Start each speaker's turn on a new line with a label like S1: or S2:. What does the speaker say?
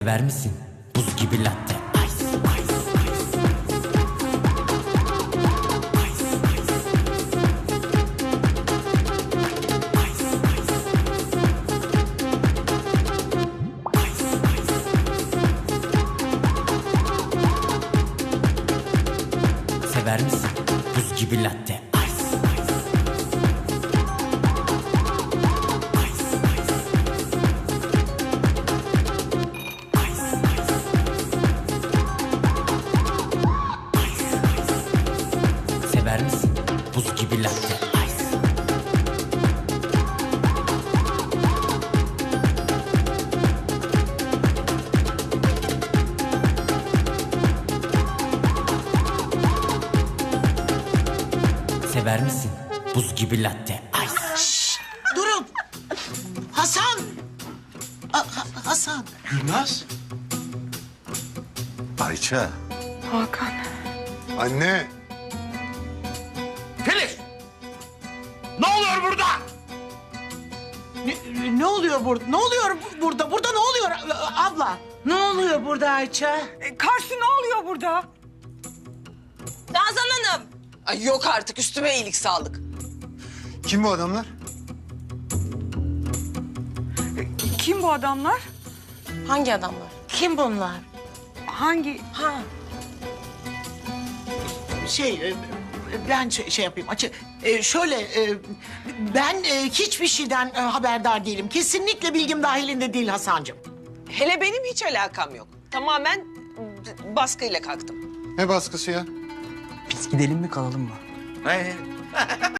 S1: Ver misin? Buz gibi latte. Ice, ice, ice. Ice, ice. Ice, ice. Ice, ice. Sever misin? Buz gibi latte. Ice, ice. Ice, ice. Sever misin? Buz gibi latte. Ice. Sever misin? Buz gibi latte. Ice.
S2: Durun. Hasan. Hasan.
S3: Gülnaz.
S4: Ayça.
S5: Hakan.
S4: Anne.
S3: Filiz! Ne oluyor burada?
S2: Ne oluyor burada? Ne oluyor burada? Burada ne oluyor abla? Ne oluyor burada Ayça?
S5: Karşı ne oluyor burada?
S6: Nazan Hanım. Ay yok artık üstüme iyilik sağlık.
S4: Kim bu adamlar?
S5: Kim bu adamlar?
S6: Hangi adamlar?
S2: Kim bunlar?
S5: Hangi?
S6: Ha.
S2: Ben şey yapayım açık. Ben hiçbir şeyden haberdar değilim. Kesinlikle bilgim dahilinde değil Hasancığım.
S6: Hele benim hiç alakam yok. Tamamen baskıyla kalktım.
S4: Ne baskısı ya?
S7: Biz gidelim mi kalalım mı?